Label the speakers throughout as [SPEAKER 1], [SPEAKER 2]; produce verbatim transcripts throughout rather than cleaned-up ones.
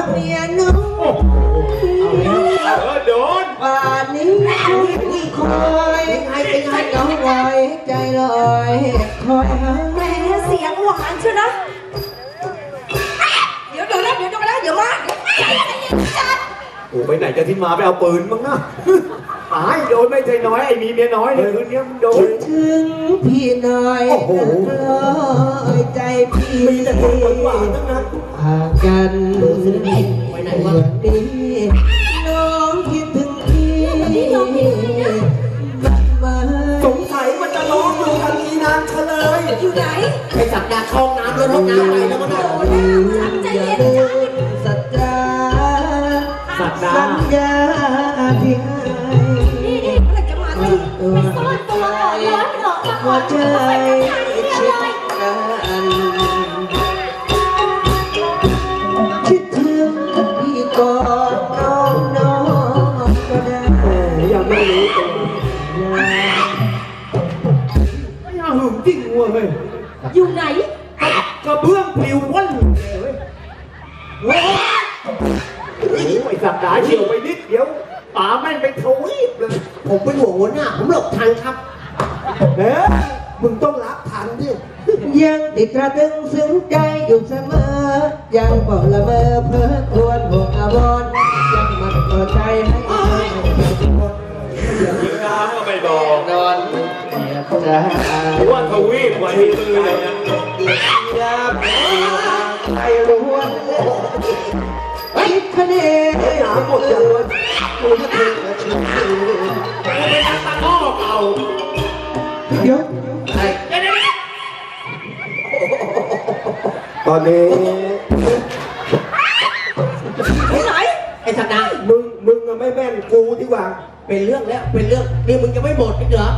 [SPEAKER 1] เมียน้องเออโดนป่านนี้ที่คอยให้เป็นให้น้องไว้ใจลอยคอยหาแม่
[SPEAKER 2] เสียงหวานเชียวนะเดี๋ยวเดี๋ยวแล้วเดี๋ยวจะมาแล้วเดี๋ยวมาใจเย็นจัด
[SPEAKER 3] โอ้ไปไหนจะทิ้งมาไปเอาปืนมั้งนะตายโดนไม่ใจน้อยไอ้มีเมียน้อยเนี่ยคืนนี้มึงโดน
[SPEAKER 1] ถึงพี่น้อยลอยใจพี่
[SPEAKER 3] มีแต่คนหวานทั้งนั้น
[SPEAKER 1] ห่างกันไปไหนวะดีน้องคิดถึงพี่
[SPEAKER 3] สงสัยมันจะร้องอยู่กันมีนานเฉลย
[SPEAKER 2] อยู่ไหน
[SPEAKER 1] ไปสักดาเข้าน้ำแล้วห้องน้ำไหนแล้วมันโดนใจเย็นสัจจาสัญญาที่ให้
[SPEAKER 2] นี่นี่เมื่อจะมาตีไปซ่อนตัวก่อนร้อนหรอกหัวใจ
[SPEAKER 1] ชิดกันคิดถึงพี่ก่อนน้องน้องก็ได้
[SPEAKER 3] ยังไม่รู้ตัวไม่น่าหึงจริงว่ะเฮ้ย
[SPEAKER 2] อยู่ไหน
[SPEAKER 3] กระเบื้องปลิวว่อนเลยโอ้ยไอ้สัตว์ด่าเฉียวไปนิดเดียวป๋าแม่งไปทวีปเลย
[SPEAKER 1] ผมเป็นหัวหัวหน้าผมหลบทันครับ
[SPEAKER 3] เอ๊ะมึงต้องรับทันดิ
[SPEAKER 1] ยังติดตราตึงซึ้งใจอยู่เสมอยังบอกละเมอเพ้อครวญห่วงอาวรยังมันต่อใจให้
[SPEAKER 3] ยิงน้ำก็ไม่บอก
[SPEAKER 1] นอนจะ
[SPEAKER 3] ว่าทวีปวันนี้เลยนะ
[SPEAKER 1] ยามใจล้วนคิดคะแนนหาหมดเลยกูจะถึงจะชิม
[SPEAKER 3] เป็นนักตะก้อเก่า
[SPEAKER 1] เดี๋ยว
[SPEAKER 3] ตอนนี้
[SPEAKER 2] ไปไหน
[SPEAKER 1] ไอ้สัตว์นะ
[SPEAKER 3] มึงมึงไม่แม่นกูที่ว่า
[SPEAKER 1] เป็นเรื่องแล้วเป็นเรื่องนี่มึงจะไม่หมดอีกเหรอ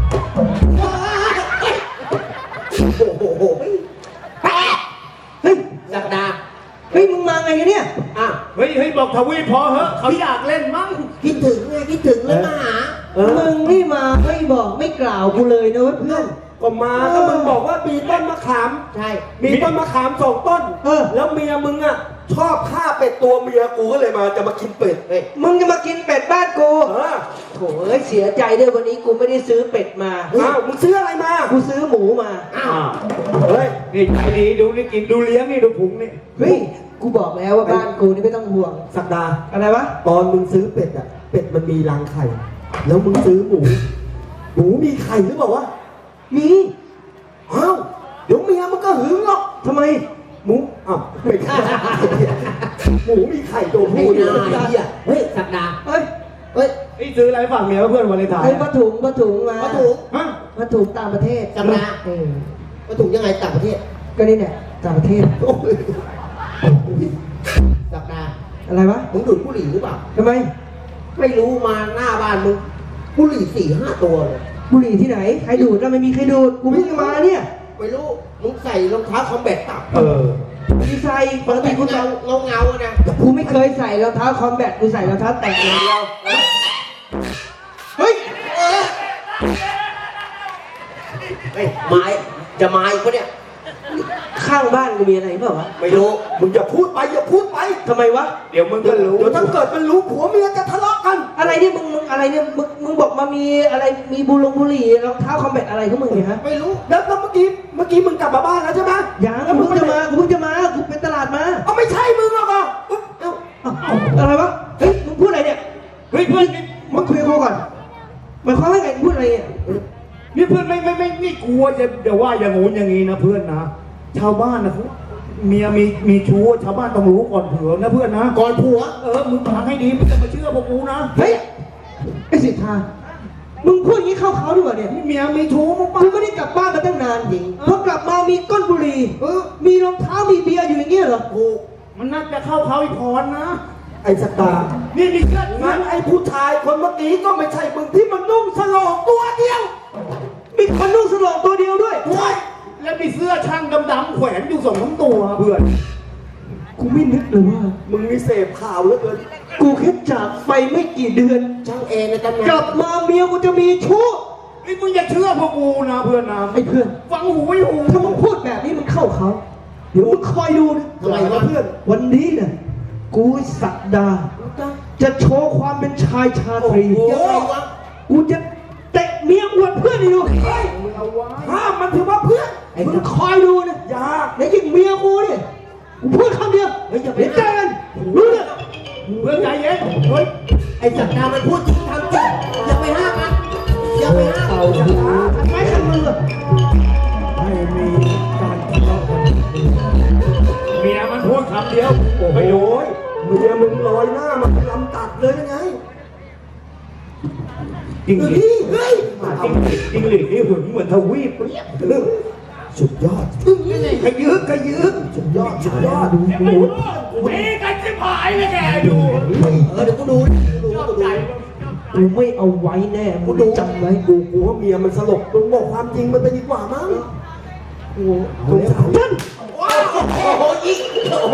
[SPEAKER 1] โอ้โหเฮ้ยสัตว์นะเฮ้ยมึงมาไงเนี่ย
[SPEAKER 3] อ่ะเฮ้ยเฮ้ยบอกทวีพอเหอะเขาอยากเล่นมั้ง
[SPEAKER 1] คิดถึงไงคิดถึงเลยมาหามึงนี่มาไม่บอกไม่กล่าวกูเลยนะเพื่อน
[SPEAKER 3] ก็มาก็มึงบอกว่ามีต้นมะขาม
[SPEAKER 1] ใช่
[SPEAKER 3] มีต้นมะขามสองต้นเออแล้วเมียมึงอ่ะชอบฆ่าเป็ดตัวเมียกูก็เลยมาจะมากินเป็ด
[SPEAKER 1] เฮ้ยมึงจะมากินเป็ดบ้านกูเออโถ่เอ้ยเสียใจด้วยวันนี้กูไม่ได้ซื้อเป็ดมา
[SPEAKER 3] อ้าวมึงซื้ออะไรมา
[SPEAKER 1] กูซื้อหมูมา
[SPEAKER 3] อ้าวเฮ้ยนี่ใจดีดูนี่กินดูเลี้ยงนี่ดูพุงนี่
[SPEAKER 1] เฮ้ยกูบอกแล้วว่าบ้านกูนี่ไม่ต้องห่วง
[SPEAKER 3] สักดา
[SPEAKER 1] อะไรวะ
[SPEAKER 3] ตอนมึงซื้อเป็ดอ่ะเป็ดมันมีรังไข่แล้วมึงซื้อหมูหมูมีไข่หรือเปล่าวะ
[SPEAKER 1] มี
[SPEAKER 3] อ้าวเดี๋ยวเมียมันก็หึงหรอก
[SPEAKER 1] ทำไม
[SPEAKER 3] หมูอ้าวไม่ใช่หมูมีไข่ตัวผู้
[SPEAKER 1] อยู่เฮ้ยสักดาเฮ้ยเฮ้ย
[SPEAKER 3] ไอ้ซื้ออะไรฝากเมียเพื่อนวันเลยถ่าย
[SPEAKER 1] เฮ้ยผ้าถุงผ้าถุงมา
[SPEAKER 3] ผ้าถุงฮะ
[SPEAKER 1] ผ้าถุงต่างประเทศ
[SPEAKER 3] จำนะ
[SPEAKER 1] ผ้าถุงยังไงต่างประเทศก็นี่เนี่ยต่างประเทศสักดาอะไรวะมึงดูดบุหรี่หรือเปล่าทำไมไม่รู้มาหน้าบ้านมึงบุหรี่สี่ห้าตัวเลยบุหรี่ที่ไหนใครดูดแล้วไม่มีใครดูดกูเพิ่งมาเนี่ยไม่รู้มึงใส่รองเท้าคอมแบทตับเออมีใส่ปกติกูใส่เงาเงาๆนะกูไม่เคยใส่รองเท้าคอมแบทกูใส่รองเท้าแตะอย่างเดียวเฮ้ยเฮ้ยไม้จะไม้ปะเนี่ยข้างบ้านกูมีอะไรเปล่าวะไม่รู้มึงจะพูดไปอย่าพูดไปทำไมวะ
[SPEAKER 3] เดี๋ยวมึงก็รู้
[SPEAKER 1] เดี๋ยวถ้าเกิดมันรู้ผัวเมียจะทะเลาะกันอะไรเนี่ยมึงมึงอะไรเนี่ยมึงมึงบอกมามีอะไรมีบุหรี่บุหรี่รองเท้าคอมแบทอะไรของมึงเนี่ยฮะไม่รู้แล้วเมื่อกี้เมื่อกี้มึงกลับมาบ้านแล้วใช่ไหมยังกูเพิ่งจะมากูเพิ่งจะมากูเป็นตลาดมาอ๋อไม่ใช่มึงหรอกอ่ะเอ้าอะไรวะเฮ้ยมึงพูดอะไรเนี่ยเฮ้ยเพื่อนมึงคุยกับกูก่อนหมายความว่าไงมึงพูดอะไรเนี่ย
[SPEAKER 3] นี่เพื่อนไม่ไม่ไม่ไม่กลัวจะเดี๋ยวว่าอย่างงู้นอย่างงี้นะเพื่อนนะชาวบ้านนะเมียมีมีชู้ชาวบ้านต้องรู้ก่อนเผื่อนะเพื่อนนะ
[SPEAKER 1] ก่อนผัว
[SPEAKER 3] เออมึงฟังให้ดีมึงจะมาเชื่อพวกกูนะ
[SPEAKER 1] เฮ้ยไอ้สิทธามึงพูดอย่างนี้เข้าเขาด้วยเนี่ย
[SPEAKER 3] เมียมีชู้มึง
[SPEAKER 1] มึงไม่ได้กลับบ้านมาตั้งนานจริงพอกลับมามีก้นบุหรี่เออมีรองเท้ามีเบียร์อยู่อย่างเงี้ยเหรอ
[SPEAKER 3] โอ้มันน่าจะเข้าเขาอีกพรนะ
[SPEAKER 1] ไอ้สตาร์
[SPEAKER 3] นี่นี่เกิด
[SPEAKER 1] งั้นไอ้ผู้ชายคนเมื่อกี้ก็ไม่ใช่มึงที่มันนุ่งสโลงตัวเดียวมีคนนุ่งสโลงตัวเดียวด้วย
[SPEAKER 3] แล้วมีเสื้อช่างดำๆแขวนอยู่สองสามตัวเพื่อน
[SPEAKER 1] กูไม่นึกเลยว่า
[SPEAKER 3] มึงมีเสพข่าวเหลือเกิน
[SPEAKER 1] กูแค่จากไปไม่กี่เดือน
[SPEAKER 3] ช่างเองในตำนาน
[SPEAKER 1] กลับมาเมียกูจะมีชู้
[SPEAKER 3] ไอ้มึงอย่าเชื่อพวกกูนะเพื่อนนะ
[SPEAKER 1] ไอ้เพื่อน
[SPEAKER 3] ฟังหูไว้หู
[SPEAKER 1] ถ้ามึงพูดแบบนี้มึงเข้าเขาเดี๋ยวมึงคอยดู
[SPEAKER 3] ทำไมวะเพื่อน
[SPEAKER 1] วันนี้เนี่ย
[SPEAKER 4] กูสักดา จะโชว์ความเป็นชายชาตรี
[SPEAKER 1] ยังไงวะ
[SPEAKER 4] กูจะเตะเมียอวดเพื่อนให้ดู
[SPEAKER 3] เอาไว้
[SPEAKER 4] ห้ามมันถือว่าเพื่อน
[SPEAKER 1] ไอ้
[SPEAKER 4] มึงคอยดูนะ
[SPEAKER 3] อย่า
[SPEAKER 4] แล้วยิ่งเมียกูเนี่ยกูพูดคำเดียว
[SPEAKER 1] เฮ้ยอย่าไป
[SPEAKER 4] เดี๋ยวเจอกันรู้เรื่อง
[SPEAKER 3] เพื่อนใจเย็นเฮ้ย
[SPEAKER 1] ไอ้สักดามันพูดจริงทำจริงอย่าไปห้ามมันอย่าไปห้าม
[SPEAKER 4] เอาจะหาทำไมขันมือ
[SPEAKER 3] ให้มีการทะเลาะกันเมียมันพูดคำเดียวไปโอ้ย
[SPEAKER 4] เมียมึงลอยหน้ามาลำตัดเลยยังไง
[SPEAKER 3] จริงหลี
[SPEAKER 4] เฮ้ย
[SPEAKER 3] จริงหลีจริงหลีนี่หึงเหมือนทวีปเปรี้ย
[SPEAKER 4] สุดยอด
[SPEAKER 3] กระยึกกระยึก
[SPEAKER 4] สุดยอดสุดยอดดู
[SPEAKER 3] ไม่รู้มีกันจะหายเลยแกดู
[SPEAKER 1] เออเดี๋ยวกูดูกูดู
[SPEAKER 3] ชอบ
[SPEAKER 1] กู
[SPEAKER 3] ใจ
[SPEAKER 1] ดู
[SPEAKER 4] กูไม่เอาไว้แน่มึงจำไว้กูกูว่าเมียมันสลบมึงบอกความจริงมันไปดีกว่ามั้งกูสงสารท่าน
[SPEAKER 1] โอ้โหยิงโอ้โห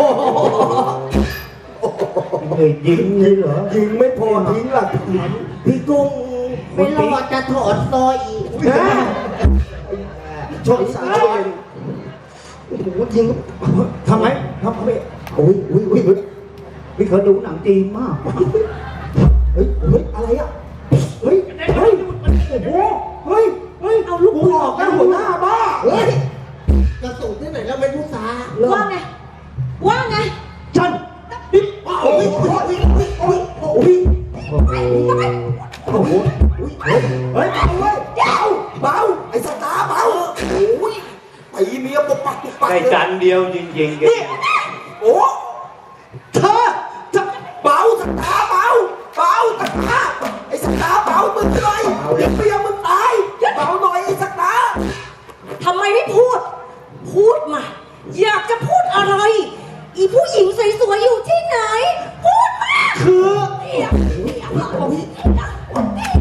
[SPEAKER 3] เอ้ยยิงเลยเหรอ
[SPEAKER 4] ยิงไม่พอทิ้งหลักฐาน
[SPEAKER 1] พี่กุ้งไม่รอดจะถอดซอยอีก
[SPEAKER 4] นะชนสารเลยโอ้โหยิง
[SPEAKER 3] ทำไมทำไม
[SPEAKER 4] โอ้ยโอ้ยโอ้ยเฮ้ย
[SPEAKER 3] พี่เขาดูหนังจีนมาก
[SPEAKER 4] เฮ้ยเฮ้ยอะไรอ่ะเฮ้ยเฮ้ยโอ้โหเฮ้ยเฮ้ย
[SPEAKER 2] เอาลูก
[SPEAKER 4] กู
[SPEAKER 2] ปืน
[SPEAKER 4] ออกแล้วหัวหน้าบ้า
[SPEAKER 1] เฮ้ยกระสุนที่ไหนแล้วไม่รู้สา
[SPEAKER 2] ว่าไง ว่าไง
[SPEAKER 4] จันนี่
[SPEAKER 1] โอ้ยโอ้ยโอ้ยโอ้ย
[SPEAKER 4] โอ้โหโอ้โหเฮ้ยเฮ้ยเบาเว้ยเบาเบาไอ้สตาร์เบาโอ้ยไอ้เมียปกปักปกปัก
[SPEAKER 3] ได้
[SPEAKER 4] เลย
[SPEAKER 3] จันเดียวจริงๆแก
[SPEAKER 4] นี่โอ้เธอจะเบาสตาร์เบาเบาสตาร์ไอ้สตาร์เบามึงหน่อยเดี๋ยวเมียมึงตายเบาหน่อยไอ้สตาร์
[SPEAKER 2] ทำไมไม่พูด พูดมา อยากจะพูดอะไร อีผู้หญิงสวยๆอยู่ที่ไหน พูดมา
[SPEAKER 4] คือ
[SPEAKER 2] เดี๋ยวเดี๋ยวเดี๋ยว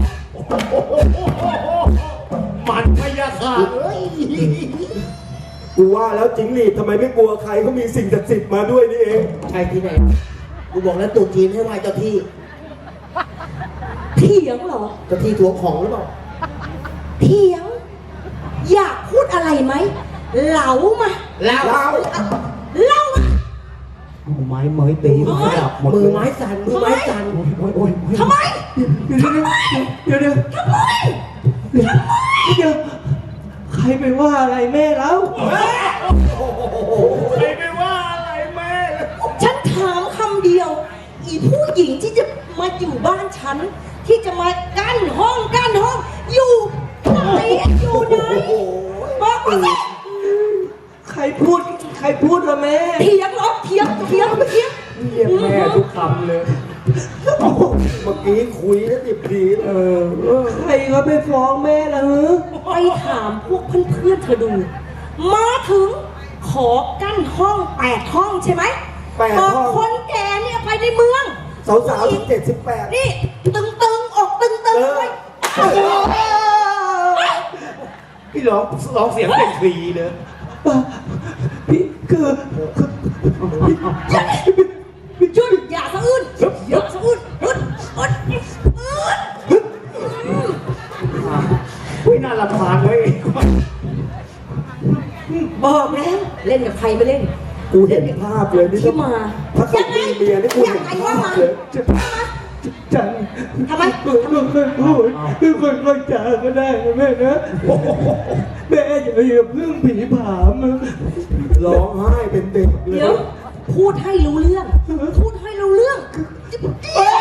[SPEAKER 3] มันพยาค่ะเอ้ย
[SPEAKER 4] กูว่าแล้วจิงหรีดทำไมไม่กลัวใครก็มีสิ่งศักดิ์สิทธิ์มาด้วยนี่เอง
[SPEAKER 1] ใช่ที่ไหนกูบอกแล้วตู่จีนให้ไหว้เจ้าที่
[SPEAKER 2] เถียงเหรอ
[SPEAKER 1] เจ้าที่ทวงของหรือเปล่า
[SPEAKER 2] เถียง อยากพูดอะไรไหมเหลามา
[SPEAKER 1] แล้ว
[SPEAKER 4] เรา
[SPEAKER 2] เล่ามา
[SPEAKER 3] ไม้เมยตีมันกระดับหมด
[SPEAKER 1] มื
[SPEAKER 3] เล
[SPEAKER 1] อย ไม้สั่นมือไม้สั่น
[SPEAKER 3] โอ้ยโอ้ย
[SPEAKER 2] ทำไม
[SPEAKER 4] เดี๋ยวเดี๋ยว
[SPEAKER 2] ทำไม
[SPEAKER 4] เดี๋ยวใครไปว่าอะไรแม่แล้ว
[SPEAKER 3] ใครไม่ว่าอะไรแม่
[SPEAKER 2] ฉันถามคำเดียว อีผู้หญิงที่จะมาอยู่บ้านฉัน ที่จะมากั้นห้องกั้นห้อง อยู่ไหนอยู่ไหนบอกมาสิ
[SPEAKER 4] ใครพูด ใครพูดละแม่
[SPEAKER 2] เถียงเหรอเถียงเถียงเถียง
[SPEAKER 3] เรียกแม่ทุกคำเลย
[SPEAKER 4] เมื่อกี้คุยแล้วดิบดีเออ ใครก็ไปฟ้องแม่ละฮะ
[SPEAKER 2] ไปถามพวกเพื่อนๆเธอดู มาถึงขอกั้นห้องแปดห้องใช่ไหม
[SPEAKER 4] แปดห้อง
[SPEAKER 2] บอกคนแก่เนี่ยไปในเมือง
[SPEAKER 4] สาวสาวสิบเจ็ดสิบแปด
[SPEAKER 2] นี่ตึงตึงๆอกตึงตึงๆไว้
[SPEAKER 3] พี่ร้องร้องเสียงเป็นฟรีเลย
[SPEAKER 4] พี่คือคือ
[SPEAKER 2] หยุดอย่าสะอื้นอย่าสะอื้นอึดอึดอึด
[SPEAKER 3] อุ้ยน่ารำคาญเว้ย
[SPEAKER 2] บอกแล้วเล่นกับใครไม่เล่น
[SPEAKER 4] กูเห็นภาพเลยนี่
[SPEAKER 2] ที่มา
[SPEAKER 4] ถ้าเขามีเมียนี่กู
[SPEAKER 2] ยั
[SPEAKER 4] เห็
[SPEAKER 2] ง
[SPEAKER 4] น
[SPEAKER 2] ไง
[SPEAKER 4] ภา
[SPEAKER 2] ว่า
[SPEAKER 4] พ
[SPEAKER 2] มา
[SPEAKER 4] เลยจัง
[SPEAKER 2] ทำไม
[SPEAKER 4] ค่อยค่อยพูดคือค่อยค่อยจาก็ได้นะแม่นะแม่อย่าอย่าเพิ่งผีผามร้องไห้เป็นเด็กเล
[SPEAKER 2] เดี๋ยวย พูดให้รู้เรื่อง พูดให้รู้เรื่อง
[SPEAKER 4] แม่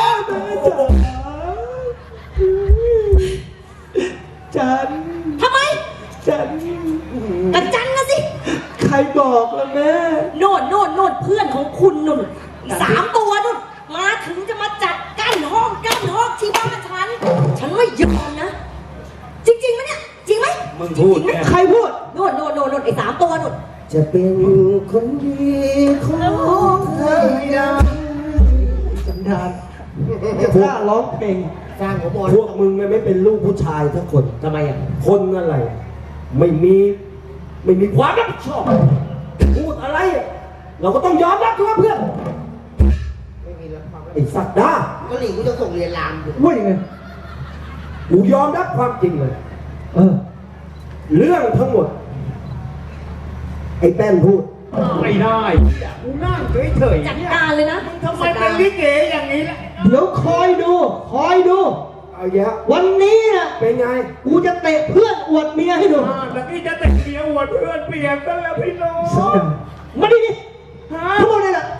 [SPEAKER 4] จ๋าจัน
[SPEAKER 2] ทำไม
[SPEAKER 4] จัน
[SPEAKER 2] กระจันนะสิ
[SPEAKER 4] ใครบอกล่ะแม่
[SPEAKER 2] โน่นโน่นโน่นเพื่อนของคุณนุ่นสามตัวนุ่นมาถึงจะมาจัดกั้นห้องกั้นห้องที่บ้านฉัน ฉันไม่ยอมนะ จริงๆไหมเนี่ย จริงไหม
[SPEAKER 3] มึงพูด
[SPEAKER 2] จริงไหม
[SPEAKER 3] แม่
[SPEAKER 4] ใครพูด
[SPEAKER 2] โน่นโน่นโน่นโน่นไอ้สามตัวนุ่น
[SPEAKER 1] จะเป็นคนดีของเธอได้
[SPEAKER 4] สันดานจะกล้าร้องเพลง
[SPEAKER 1] สร้างหัวบอล
[SPEAKER 4] พวกมึงไม่เป็นลูกผู้ชายทั้งคน
[SPEAKER 1] ทำไมอ่ะ
[SPEAKER 4] คนอะไร ไม่มี ไม่มีความรับผิดชอบ พูดอะไร เราก็ต้องยอมรับใช่ไหมเพื่อน
[SPEAKER 1] ไม่มีแล้วความ
[SPEAKER 4] ไอ้สัตว์ด้า
[SPEAKER 1] ก็หลีกูจะส่งเรียนรามอยู่
[SPEAKER 4] ว่ายังไงกูยอมรับความจริงเลย เออ เรื่องทั้งหมด ไอ้แป้นพูด
[SPEAKER 2] อ
[SPEAKER 3] ไม่ได้กูนั่งเฉยๆ
[SPEAKER 2] จัด
[SPEAKER 3] เนี่ย
[SPEAKER 2] การเลยนะ
[SPEAKER 3] มึงทำไมเป็นลิเกอย่างนี้ล่ะ
[SPEAKER 1] เดี๋ยวคอยดู คอยดู
[SPEAKER 4] เอาเยอะ
[SPEAKER 1] วันนี้น่ะ
[SPEAKER 4] เป็นไง
[SPEAKER 1] กูจะเตะเพื่อนอวดเมียให้ดู
[SPEAKER 3] อ่าแล้วนี่จะแต่งเมียอวดเพื่อนเปลี่ยนกันแล้วพี่น้อง
[SPEAKER 1] สันดานมาดิดิ
[SPEAKER 3] ฮะ
[SPEAKER 1] ทั้งหมดเลยล่ะ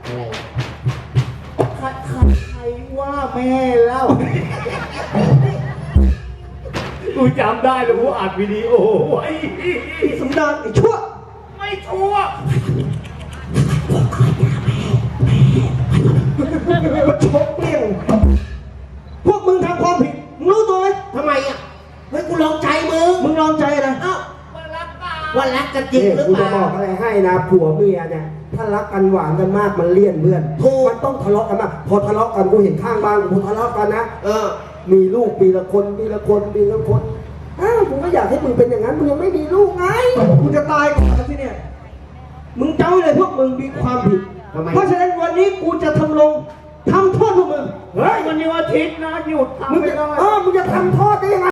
[SPEAKER 3] ใครใครใครว่าแม่เล่ากูจำได้เลยกูอัดวิดีโอไว้
[SPEAKER 1] สันดานไอ้ชั่ว
[SPEAKER 3] ไม่ชัวร์
[SPEAKER 1] มาชกเปี้ยงพวกมึงทำความผิด มึงรู้ตัวไหม
[SPEAKER 5] ทำไมอ่ะเฮ้ยกูลองใจมึง
[SPEAKER 1] มึงลองใจอะไร
[SPEAKER 5] เอ้า
[SPEAKER 3] มารักเปล่า
[SPEAKER 5] ว่ารักกันจริง
[SPEAKER 4] นี่
[SPEAKER 5] หรือ
[SPEAKER 4] กู
[SPEAKER 5] เป
[SPEAKER 4] จะ
[SPEAKER 5] ล่า
[SPEAKER 4] บอกอะไรให้นะผัวเมียเนี่ยถ้ารักกันหวานกันมากมันเลี่ยนเพื่อน
[SPEAKER 5] ถูก
[SPEAKER 4] มันต้องทะเลาะกันมากพอทะเลาะกันกูเห็นข้างบ้านกูทะเลาะกันนะ
[SPEAKER 5] เออ
[SPEAKER 4] มีลูกปีละคนปีละคนปีละคนอ้าวกูก็อยากให้มึงเป็นอย่างนั้นมึงยังไม่มีลูกไง
[SPEAKER 1] กูจะตายก่อนแล้วที่เนี่ย มึงจำไว้เลยพวกมึงมีความผิด
[SPEAKER 5] ทำไม
[SPEAKER 1] เพราะฉะนั้นวันนี้กูจะทำลงทำโทษพวกมึง
[SPEAKER 3] เฮ้ยวันนี้วันอาทิตย์นะหยุดทำ
[SPEAKER 4] มึง
[SPEAKER 3] ไม่
[SPEAKER 4] จะ
[SPEAKER 3] ได้
[SPEAKER 4] เออมึงจะทำโทษได้ยังไง